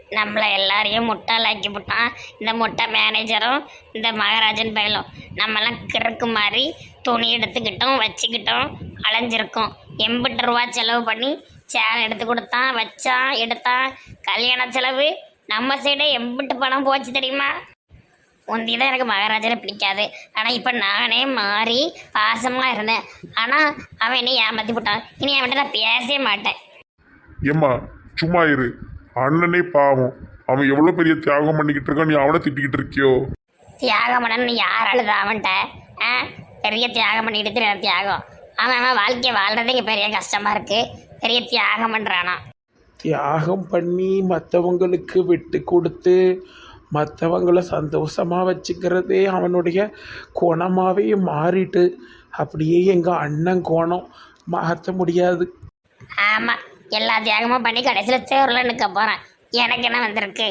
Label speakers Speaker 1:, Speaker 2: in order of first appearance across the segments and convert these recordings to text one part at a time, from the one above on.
Speaker 1: நம்மளை எல்லாரையும் முட்டாளாக்கி விட்டான் இந்த முட்டை மேனேஜரும் இந்த மகாராஜன் பயலும். நம்மலாம் கிறுக்கு மாதிரி துணி எடுத்துக்கிட்டோம் வச்சுக்கிட்டோம் அலைஞ்சிருக்கோம். 80 ரூபா செலவு பண்ணி சேர் எடுத்து கொடுத்தான் வச்சான் எடுத்தான். கல்யாண செலவு நம்ம சைடே எம்பிட்டு பணம் போச்சு தெரியுமா? முந்தி தான் எனக்கு மகாராஜனை பிடிக்காது. ஆனால் இப்போ நானே மாறி பாசமாக இருந்தேன். ஆனால் அவன் என்னை ஏமாற்றி விட்டான். இனி அவன்கிட்ட நான் பேசவே மாட்டேன்.
Speaker 2: ஏம்மா சும்மா இரு. அண்ணனே பாவம், அவன் எவ்வளோ பெரிய தியாகம் பண்ணிக்கிட்டு இருக்கான், நீ அவனை திட்டிக்கிட்டு இருக்கியோ?
Speaker 1: தியாகம் பண்ணனு யார் அழுது அவன்கிட்ட? ஆ, பெரிய தியாகம் பண்ணிக்கிட்டு தியாகம். அவன் வாழ்க்கையை வாழ்றதே இங்கே பெரிய கஷ்டமாக இருக்குது. பெரிய தியாகம் பண்ணுறானா?
Speaker 3: தியாகம் பண்ணி மற்றவங்களுக்கு விட்டு கொடுத்து மற்றவங்கள சந்தோஷமாக வச்சுக்கிறதே அவனுடைய குணமாகவே மாறிட்டு. அப்படியே எங்கள் அண்ணன் கோணம் மாற்ற முடியாது.
Speaker 1: ஆமாம், எல்லா தியாகமும் பண்ணி கடைசியில் தேர்வில் நிற்க போகிறேன். எனக்கு என்ன வந்திருக்கு?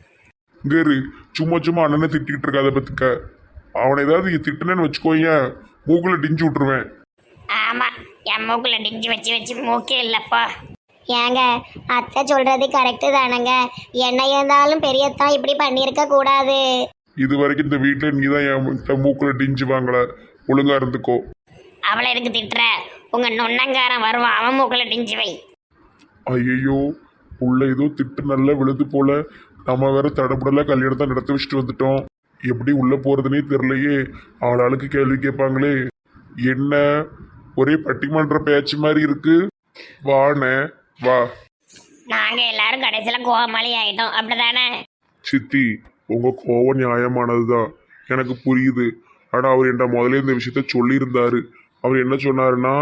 Speaker 2: கேரு, சும்மா சும்மா அண்ணனை திட்டிக்கிட்டு இருக்காத பத்துக்க. அவனை ஏதாவது திட்டுனேன்னு வச்சுக்கோங்க, மூக்கில் டிஞ்சு விட்டுருவேன்.
Speaker 1: ஆமாம், என் மூக்கில் டிஞ்சு வச்சு வச்சு மூக்கே இல்லைப்பா. ஏங்க, அத்தை சொல்கிறது கரெக்டு தானங்க. என்ன இருந்தாலும் பெரியத்தான் இப்படி பண்ணியிருக்க கூடாது.
Speaker 2: இது வரைக்கும் இந்த வீட்டில் நீ தான் என் மூக்கில் டிஞ்சு வாங்கல. ஒழுங்கா இருந்துக்கோ.
Speaker 1: அவளை எதுக்கு திட்டுற? உங்கள் நொன்னங்காரன் வருவான், அவன் மூக்கில் டிஞ்சு வை.
Speaker 2: ஐயோ, உள்ள ஏதோ திட்டு நல்லா விழுது போல. நம்ம வேற தடப்படலாம் கல்யாணத்தை நடத்தி வச்சுட்டு வந்துட்டோம். எப்படி உள்ள போறதுனே தெரியலையே. ஆளாளுக்கு கேள்வி கேட்பாங்களே. என்ன ஒரே பட்டிமன்ற பேச்சு மாதிரி இருக்கு. வாண்ணே வா.
Speaker 1: நாங்கள் எல்லாரும் கடைசியில் கோமாளி ஆகிட்டோம், அப்படிதானே?
Speaker 2: சித்தி, உங்க கோவம் நியாயமானதுதான், எனக்கு புரியுது. ஆனா அவர் என்கிட்ட முதல்ல இந்த விஷயத்த சொல்லியிருந்தாரு. அவர் என்ன சொன்னாருன்னா,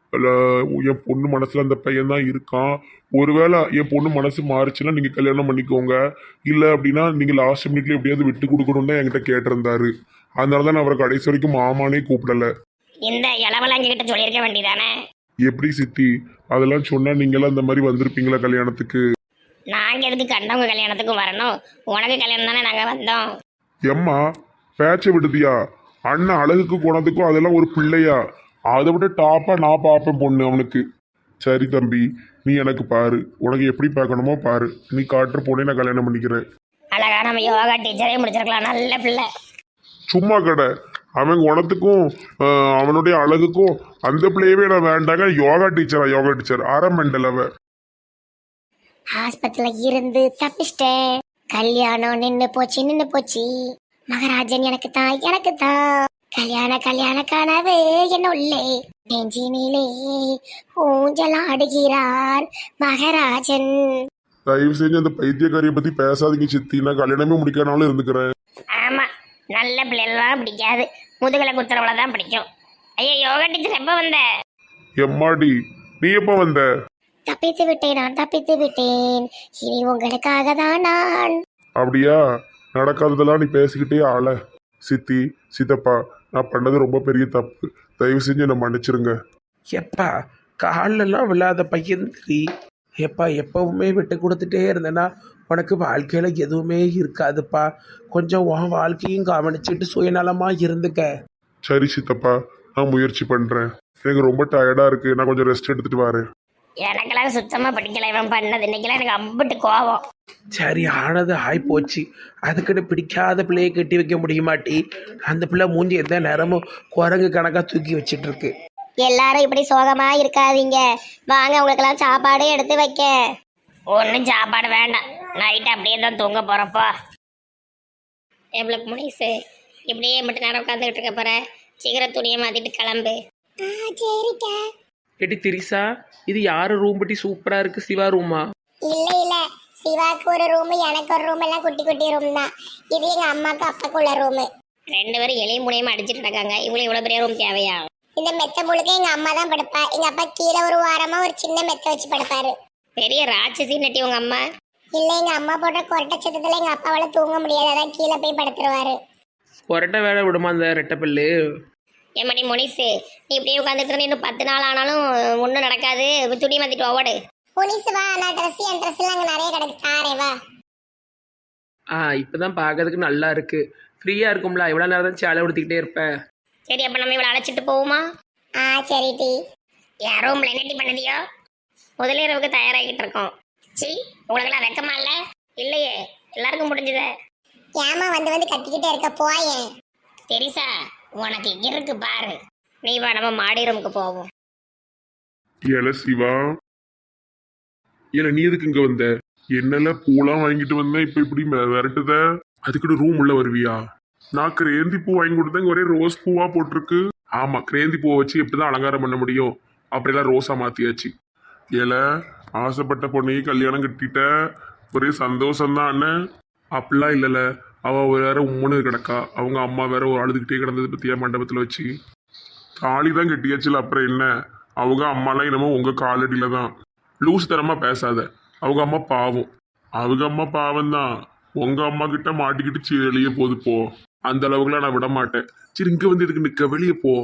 Speaker 2: என் பொண்ணு மனசுல அந்த பையன் தான் இருக்கான். ஒருவேளை என் பொண்ணு மனசு மாறுச்சுன்னா நீங்க கல்யாணம் பண்ணிக்கோங்க, இல்லை அப்படின்னா நீங்க லாஸ்ட் மினிட்ல எப்படியாவது விட்டு கொடுக்கணும் தான் என்கிட்ட கேட்டிருந்தாரு. அதனாலதான் நான் அவரை கடைசி வரைக்கும் மாமானே கூப்பிடல.
Speaker 1: இந்த இளவலாங்க கிட்ட சொல்லியிருக்க வேண்டியதானே?
Speaker 2: எப்படி சித்தி, அதெல்லாம் சொன்னா நீங்களாம் இந்த மாதிரி வந்திருப்பீங்களா கல்யாணத்துக்கு?
Speaker 1: நாங்கள் எதுக்கு கண்டவங்க கல்யாணத்துக்கும் வரணும்? உனக்கு கல்யாணம் தானே நாங்கள் வந்தோம்.
Speaker 2: எம்மா பேச்ச விடுதியா? அண்ணன் அழகுக்கு குணத்துக்கும் அதெல்லாம் ஒரு பிள்ளையா? அதை விட டாப்பா நான் பார்ப்பேன் பொண்ணு அவனுக்கு. சரி தம்பி, நீ எனக்கு பாரு, உனக்கு எப்படி பார்க்கணுமோ பாரு. நீ காட்டுற பொண்ணை நான் கல்யாணம் பண்ணிக்கிறேன்.
Speaker 1: அழகா நம்ம யோகா டீச்சரே முடிச்சிருக்கலாம், நல்ல பிள்ளை.
Speaker 2: சும்மா கடை. அவன் குணத்துக்கும் அவனுடைய அழகுக்கும் அந்த பிள்ளையவே நான் வேண்டாங்க. யோகா டீச்சர் ஆரம்பண்டல் அவ.
Speaker 1: ஆஸ்பத்திரியில இருந்து தப்பிச்சிட்டேன். கல்யாணம் நின்னு போச்சு. மகாராஜன் எனக்கு தான் கல்யாண கனவு என்ன உள்ளே நெஞ்சினிலே ஊஞ்சல் ஆடுகிறார் மகாராஜன்.
Speaker 2: தயவு செஞ்சு அந்த பைத்தியக்காரியை பத்தி பேசாதீங்க சித்தி. நான் கல்யாணமே முடிக்கானாலும் இருந்துக்கிறேன்.
Speaker 1: ஆமா, நல்ல பிள்ளைலாம் பிடிக்காது, முதுகலை குத்துறவளை தான் பிடிக்கும். ஐயோ, யோகா டீச்சர் எப்ப வந்த?
Speaker 2: எம்மாடி, நீ எப்ப வந்த?
Speaker 1: தப்பித்து விட்டேன். இனி உங்களுக்காக தான் நான்.
Speaker 2: அப்படியா? நடக்காததெல்லாம் நீ பேசிக்கிட்டே ஆள. சித்தி, சித்தப்பா, நான் பண்ணது ரொம்ப பெரிய தப்பு. தயவு செஞ்சு என்னை மன்னிச்சிருங்க.
Speaker 3: எப்பா காலெல்லாம் விழாத பையன் சரி. எப்பா எப்பவுமே விட்டு கொடுத்துட்டே இருந்தேன்னா உனக்கு வாழ்க்கையில் எதுவுமே இருக்காதுப்பா. கொஞ்சம் உன் வாழ்க்கையும் கவனிச்சுட்டு சுயநலமாக இருந்துக்க.
Speaker 2: சரி சித்தப்பா, நான் முயற்சி பண்ணுறேன். எனக்கு ரொம்ப டயர்டாக இருக்குது, நான் கொஞ்சம் ரெஸ்ட் எடுத்துகிட்டு வரேன்.
Speaker 1: எனக்கெல்லாம் சுத்தமாக பிடிக்கல இவன் பண்ணது. இன்னைக்கெல்லாம் எனக்கு அம்பிட்டு கோவம்.
Speaker 3: சரி, ஆனது ஆயிப்போச்சு. அதுக்கிட்ட பிடிக்காத பிள்ளையை கட்டி வைக்க முடியுமாட்டி? அந்த பிள்ளை மூஞ்சி எந்த நேரமும் குரங்கு கணக்காக தூக்கி வச்சிட்டு இருக்கு.
Speaker 1: எல்லாரும் இப்படி சோகமா இருக்காதீங்க, வாங்க உங்களுக்கெல்லாம் சாப்பாடு எடுத்து வைக்க. ஒன்றும் சாப்பாடு வேண்டாம், நைட்டு அப்படியே தான் தூங்க போறப்போ. எவ்வளோக்கு முனிசு இப்படியே மட்டும் நேரம் உட்காந்துக்கிட்டு இருக்க போற. சீக்கிரம் துணியை மாத்திட்டு கிளம்பு. சரிக்கா.
Speaker 3: எடி திரிசா, இது யாரு ரூம் பட்டி சூப்பரா இருக்கு? சிவா ரூமா?
Speaker 4: இல்ல சிவாக்கு ஒரு ரூம், எனக்கு ஒரு ரூம், எல்லாம் குட்டி ரூம் தான். இது எங்க அம்மாக்கு அப்பாக்கு உள்ள ரூம்.
Speaker 1: 2 பேரும் எளியும் முனையும் அடிச்சுட்டு இருக்காங்க. இவ்வளவு இவ்வளவு பெரிய ரூம் தேவையா?
Speaker 4: இந்த மெத்த முழுக்க எங்க அம்மா தான் படுப்பா. எங்க அப்பா கீழே ஒரு வாரமா ஒரு சின்ன மெத்த வச்சு படுப்பாரு.
Speaker 1: பெரிய ராட்சசி நட்டி உங்க அம்மா.
Speaker 4: இல்ல, எங்க அம்மா போட்ட கொரட்டை சத்தத்துல எங்க அப்பாவால தூங்க முடியாது, அதான் கீழே போய் படுத்துருவாரு.
Speaker 3: கொரட்டை வேலை விடுமா அந்த ரெட்டப்பல்லு?
Speaker 1: ஏமாடி முனிசு, நீ இப்படியே உட்காந்துட்டு இன்னும் 10 நாள் ஆனாலும் ஒன்றும் நடக்காது. துணி மாத்திட்டு ஓடு.
Speaker 4: புனிசு வா, நான் என் ட்ரெஸ் எல்லாம் அங்க நிறைய கிடக்கு, தாரே வா.
Speaker 3: இப்பதான் பார்க்கறதுக்கு நல்லா இருக்கு. ஃப்ரீயா இருக்கும்ல, எவ்வளவு நேரம் தான் சேலை உடுத்திக்கிட்டே இருப்பேன்.
Speaker 1: சரி, அப்ப நம்ம இவளை அழைச்சிட்டு போவோமா?
Speaker 4: சரி டி.
Speaker 1: என் ரூம்ல என்னடி பண்ணுதியோ? முதலிரவுக்கு தயாராகிட்டு இருக்கோம். சி, உங்களுக்கெல்லாம் வெக்கமா இல்ல? இல்லையே, எல்லாருக்கும் முடிஞ்சதே.
Speaker 4: ஏமா வந்து வந்து கத்திக்கிட்டே இருக்க போயேன்.
Speaker 1: தெரிசா, உனக்கு இருக்கு பாரு. நீ வா, நம்ம மாடி ரூமுக்கு போவோம்.
Speaker 2: ஏல சிவா, ஏல நீ எதுக்கு இங்க வந்த? என்னெல்லாம் பூலாம் வாங்கிட்டு வந்தேன், இப்ப இப்படி விரட்டுத? அதுக்கிட்ட ரூம் உள்ள வருவியா? நான் கிரேந்தி பூ வாங்கி கொடுத்தேன், ஒரே ரோஸ் பூவா போட்டிருக்கு. ஆமா, கிரேந்தி பூவை வச்சு எப்படிதான் அலங்காரம் பண்ண முடியும்? அப்படியெல்லாம் ரோஸா மாத்தியாச்சு. ஏல, ஆசைப்பட்ட பொண்ணையும் கல்யாணம் கட்டிட்ட, ஒரே சந்தோஷம்தான் அண்ணன். அப்படிலாம் இல்லைல்ல, அவ வேற உம்முன்னு கிடக்கா, அவங்க அம்மா வேற ஒரு அழுதுகிட்டே கிடந்தது பத்தியா மண்டபத்துல வச்சு. தாலி தான் கட்டியாச்சுல, அப்புறம் என்ன? அவங்க அம்மாலாம் என்னமோ உங்க காலடியில தான். லூஸ் தரமா பேசாத, அவங்க அம்மா பாவம். அவங்க அம்மா பாவம் தான், உங்க அம்மா கிட்ட மாட்டிக்கிட்டு வெளியே போது போ. அந்த அளவுக்குலாம் நான் விட மாட்டேன். சரி, இங்க வந்து இதுக்கு நிக்க, வெளியே போ.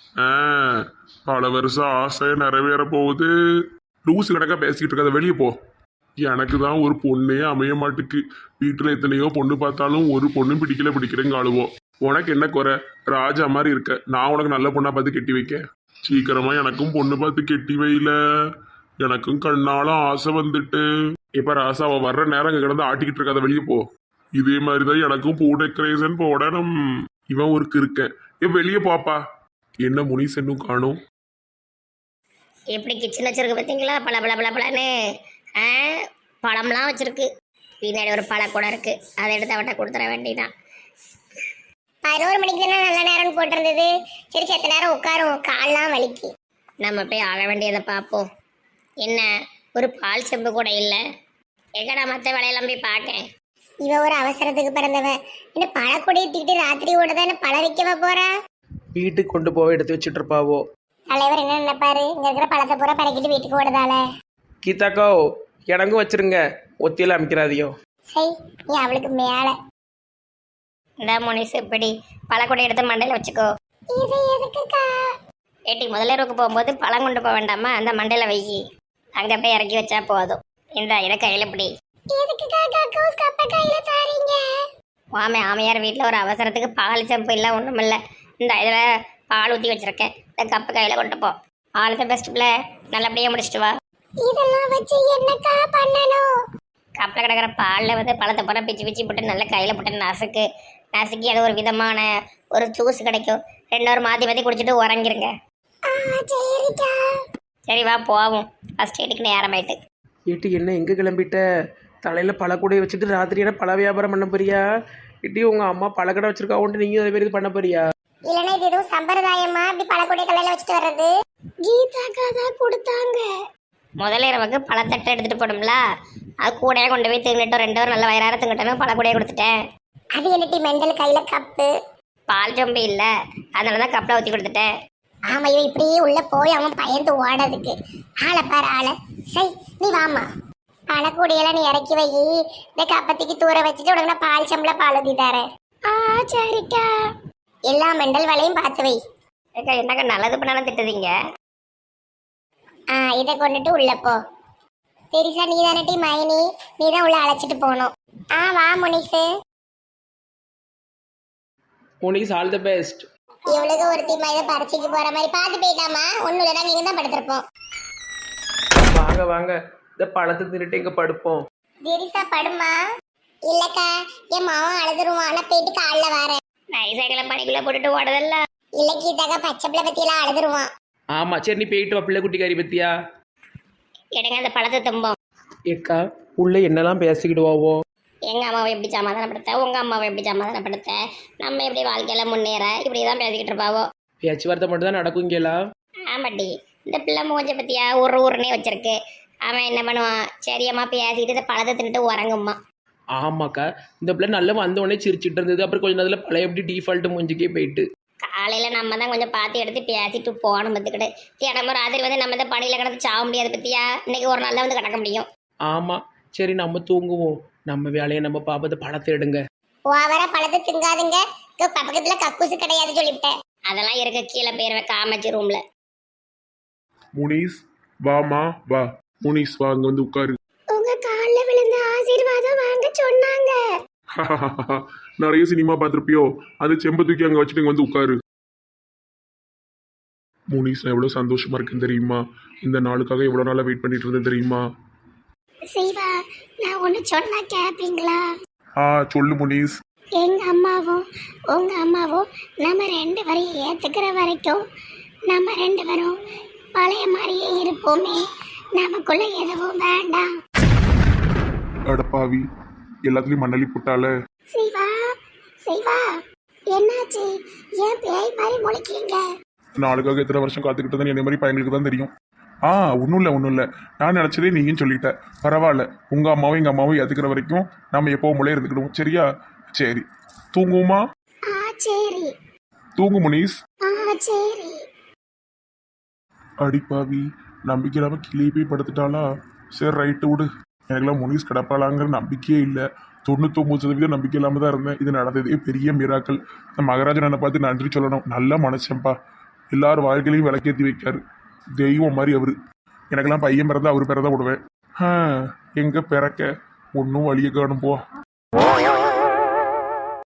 Speaker 2: பல வருஷம் ஆசை நிறைவேற போகுது. லூஸ் கணக்கா பேசிக்கிட்டு இருக்காத, வெளியே போ. எனக்கு தான் ஒரு பொண்ணே அமைய மாட்டுக்கு. வீட்டுல எத்தனையோ பொண்ணு பார்த்தாலும் ஒரு பொண்ணும் பிடிக்கிறேங்க ஆளுவோம். உனக்கு என்ன குறை? ராஜா மாதிரி இருக்க, நான் உனக்கு நல்ல பொண்ணா பார்த்து கட்டி வைக்க. சீக்கிரமா எனக்கும் பொண்ணு பார்த்து கெட்டி வைல. எனக்கும் கண்ணாலும் ஆசை வந்துட்டு. இப்ப ராசா அவ வர்ற நேரம் இங்க கிடந்து ஆட்டிக்கிட்டு இருக்காத, வெளியே போ. இதே மாதிரிதான் எனக்கும் பூ டெக்கரேஷன் போடணும். இவன் ஒரு இருக்கேன். வெளியே பாப்பா. என்ன முனிசன்னும் காணும்.
Speaker 1: எப்படி கிச்சன் வச்சிருக்கு பார்த்தீங்களா? பல பல பல பலன்னு பழம்லாம் வச்சிருக்கு. பின்னாடி ஒரு பழ கூட இருக்கு, அதை எடுத்து அவட்ட கொடுத்துட வேண்டியதான்.
Speaker 4: 11 மணிக்கு தானே நல்ல நேரம்னு போட்டிருந்தது. சரி, செத்த நேரம் உட்காரும், கால்லாம் வலிக்கு.
Speaker 1: நம்ம போய் ஆக வேண்டியதை பார்ப்போம். என்ன, ஒரு பால் செம்பு கூட இல்லை. எங்கடா மற்ற வேலையெல்லாம் போய் பார்க்கேன்.
Speaker 4: இவ ஒரு அவசரத்துக்கு பிறந்தவன். என்ன பழக்கூடையை தூக்கிட்டு ராத்திரி ஓட தானே பழ வைக்கவா போறா?
Speaker 3: வீட்டுக்கு கொண்டு போக எடுத்து வச்சுட்டு இருப்பாவோ.
Speaker 4: தலைவர் என்ன நினைப்பாரு? இங்க இருக்கிற பழத்தை பூரா பறக்கிட்டு வீட்டுக்கு ஓடுதால.
Speaker 3: கீதாக்கோ, எனக்கும் வச்சிருங்க, ஒத்தியில அமைக்கிறாதியோ.
Speaker 4: சரி, நீ அவளுக்கு மேல.
Speaker 1: இந்த முனிசு இப்படி பழக்கூடை எடுத்து மண்டையில் வச்சுக்கோ.
Speaker 4: இது எதுக்குக்கா?
Speaker 1: ஏட்டி, முதலிரவுக்கு போகும்போது பழம் கொண்டு போக வேண்டாமா? அந்த மண்டையில் வை, அங்கே போய் இறக்கி வச்சா போதும். இந்த இதை கையில் இப்படி.
Speaker 4: எதுக்குக்கா கக்கூஸ் கப்ப கையில தாரீங்க?
Speaker 1: வாமே, ஆமையார் வீட்டில் ஒரு அவசரத்துக்கு பால் செம்பு இல்லை, ஒன்றும் இல்லை. இந்த இதில் பால் ஊற்றி வச்சிருக்கேன், இந்த கப்பு கையில் கொண்டு போ. ஆல் தி பெஸ்ட் பிள்ளை, நல்லபடியாக முடிச்சிட்டு வா.
Speaker 4: இதெல்லாம் வச்சு என்னக்கா பண்ணணும்?
Speaker 1: கப்பில் கிடக்கிற பாலில் வந்து பழத்தை பூரா பிச்சு பிச்சு போட்டு நல்லா கையில் போட்டு நசுக்கி அது ஒரு விதமான ஒரு ஜூஸ் கிடைக்கும். 2 ஹவர் மாற்றி மாற்றி குடிச்சிட்டு உறங்கிருங்க.
Speaker 4: சரிக்கா.
Speaker 1: சரி, வா போவோம். ஃபஸ்ட் எய்டுக்கு நேரமாயிட்டு.
Speaker 3: ஏட்டி, என்ன எங்கே கிளம்பிட்ட? தலையில் பழக்கூடையை வச்சுட்டு ராத்திரி என்ன பழ வியாபாரம் பண்ண போறியா? ஏட்டி, உங்கள் அம்மா பழக்கடை வச்சிருக்காவுன்ட்டு நீங்கள் அதே மாதிரி இது பண்ண போறியா?
Speaker 4: இல்லைன்னா இது எதுவும் சம்பிரதாயமா இப்படி பழக்கூடைய தலையில வச்சுட்டு வர்றது? கீதாக்கா தான் கொடுத்தாங்க.
Speaker 1: முதலிரவுக்கு பழத்தட்டை எடுத்துகிட்டு போடும்ல, அது கூடையே கொண்டு போய் தின்னுட்டோம். 2 ஹவர் நல்ல வயிறார தின்னுட்டோன்னு பழக்கூடையை கொடுத்துட்டேன்.
Speaker 4: அது என்னட்டி மெண்டல் கையில கப்பு?
Speaker 1: பால் சொம்பு இல்லை, அதனால தான் கப்பில் ஊற்றி கொடுத்துட்டேன்.
Speaker 4: ஆமா, இவன் இப்படியே உள்ள போய் அவன் பயந்து ஓடதுக்கு. ஆளை பாரு ஆளை. சரி, நீ வாமா. பழக்கூடியெல்லாம் நீ இறக்கி வை. இந்த கப்பத்திக்கு தூர வச்சுட்டு உனக்கு நான் பால் சம்பள பால் ஊற்றி தரேன். சரிக்கா. எல்லா மெண்டல் வேலையும் பார்த்து வை.
Speaker 1: ஏக்கா, என்னக்கா நல்லது பண்ணாலும் திட்டுதீங்க?
Speaker 4: இதை கொண்டுட்டு உள்ள போ. பெரிசா நீ தானட்டி மைனி, நீ தான் உள்ள அழைச்சிட்டு போகணும். வா முனிசு.
Speaker 3: Munis, all the best.
Speaker 4: இவளுக்கு ஒருத்தி மாதிரி பறிச்சுக்கு போற மாதிரி பார்த்து போயிட்டாமா. ஒன்னும் இல்லைனா நீங்க தான் படுத்திருப்போம்.
Speaker 3: வாங்க வாங்க, இந்த பழத்தை தின்னுட்டு எங்க படுப்போம்.
Speaker 4: பெரிசா படுமா? இல்லக்கா, என் மாவன் அழுதுருவான். நான் போயிட்டு காலில் வரேன்.
Speaker 1: நைசாக்களை பனிக்குள்ளே போட்டுட்டு ஓடுதல்ல.
Speaker 4: இல்லை கீதாக்கா, பச்சை பிள்ளை பத்தியெல்லாம் அழுதுருவான்.
Speaker 3: ஆமாம், சரி, நீ போயிட்டு வா. பிள்ளை குட்டிக்காரி பத்தியா?
Speaker 1: எடுங்க அந்த பழத்தை தும்போம்.
Speaker 3: ஏக்கா, உள்ள என்னெல்லாம் பேசிக்கிடுவாவோ?
Speaker 1: எங்கள் அம்மாவை எப்படி சமாதானப்படுத்த, உங்கள் அம்மாவை எப்படி சமாதானப்படுத்த, நம்ம எப்படி வாழ்க்கையில் முன்னேற, இப்படி தான் பேசிக்கிட்டு இருப்பாவோ.
Speaker 3: பேச்சுவார்த்தை மட்டும் தான் நடக்குங்களா?
Speaker 1: ஆமாட்டி, இந்த பிள்ளை மூஞ்ச பற்றியா ஊர்னே வச்சிருக்கு. அவன் என்ன பண்ணுவான்? சரியம்மா பேசிட்டு இந்த பழத்தை தின்னுட்டு உறங்கும்மா.
Speaker 3: ஆமாக்கா, இந்த பிள்ளை நல்லா வந்த உடனே சிரிச்சிட்டு இருந்தது. அப்புறம் கொஞ்சம் நேரத்தில் பழைய எப்படி டிஃபால்ட்டு மூஞ்சிக்கே போயிட்டு.
Speaker 1: காலையில் நம்ம தான் கொஞ்சம் பார்த்து எடுத்து பேசிட்டு போகணும் பார்த்துக்கிட்டு. தினமும் ராத்திரி வந்து நம்ம இந்த பணியில் கிடந்து சாக முடியாது பற்றியா? இன்னைக்கு ஒரு நாள் தான் வந்து கிடக்க முடியும்.
Speaker 3: ஆமாம், சரி, நம்ம தூங்குவோம். நம்ம வேலையை நம்ம பாப்பது பழத்தை எடுங்க.
Speaker 4: ஓவரா பழத்தை திங்காதுங்க. பக்கத்துல கக்கூசு கிடையாது சொல்லிவிட்டேன்.
Speaker 1: அதெல்லாம் இருக்க கீழே போயிருவேன் காமச்சி ரூம்ல.
Speaker 2: முனிஸ், வாமா வா. முனிஸ், வா, அங்க வந்து உட்காரு.
Speaker 4: உங்க காலில் விழுந்த ஆசீர்வாதம் வாங்க சொன்னாங்க.
Speaker 2: நிறைய சினிமா பார்த்துருப்பியோ, அது செம்ப தூக்கி அங்க வச்சுட்டு இங்க வந்து உட்காரு. முனிஸ், நான் எவ்வளவு சந்தோஷமா இருக்கேன் தெரியுமா? இந்த நாளுக்காக எவ்வளவு நாளா வெயிட் பண்ணிட்டு இருந்தேன் தெரியுமா?
Speaker 4: சிவா நான் ஒன்று சொன்னா கேட்பீங்களா?
Speaker 2: ஆ சொல்லு முனிஸ்.
Speaker 4: எங்க அம்மாவும் உங்க அம்மாவும் நம்ம ரெண்டு பேரையும் ஏத்துக்கிற வரைக்கும் நம்ம ரெண்டு பேரும் பழைய மாதிரியே இருப்போமே. நமக்குள்ள எதுவும் வேண்டாம்.
Speaker 2: அடப்பாவி, எல்லாத்துலயும் மண்ணலி போட்டால.
Speaker 4: சிவா சிவா என்னாச்சு? ஏன் பேய் மாதிரி முழிக்கீங்க?
Speaker 2: நாளுக்காக எத்தனை வருஷம் காத்துக்கிட்டு தான் என்ன மாதிரி பையங்களுக்கு தான் தெரியும். ஒன்றும் இல்லை. நான் நினச்சதே நீயும் சொல்லிட்ட. பரவாயில்ல, உங்கள் அம்மாவும் எங்கள் அம்மாவும் ஏற்றுக்கிற வரைக்கும் நம்ம எப்போ முளை இருந்துக்கிடுவோம். சரியா? சரி, தூங்குவோமா?
Speaker 4: சரி.
Speaker 2: தூங்கு முனிஸ்.
Speaker 4: சரி.
Speaker 2: அடிப்பாவி, நம்பிக்கை இல்லாமல் கிளியை போய் படுத்துட்டாளா? சரி, ரைட்டு விடு. எனக்கெல்லாம் முனிஸ் கிடப்பாளாங்கிற நம்பிக்கையே இல்லை. 99% நம்பிக்கை இல்லாமல் தான் இருந்தேன். இது நடந்ததே பெரிய மிராக்கள். இந்த மகாராஜன் என்னை பார்த்து நன்றி சொல்லணும். நல்ல மனுஷன்ப்பா. எல்லார் வாழ்க்கையிலையும் விளக்கேற்றி வைக்காரு. தெய்வம் மாதிரி அவரு. எனக்கெல்லாம் பையன் பிறந்தா அவர் பிறந்தா விடுவேன். எங்கே பிறக்க ஒன்றும் வழியை காணும் போ.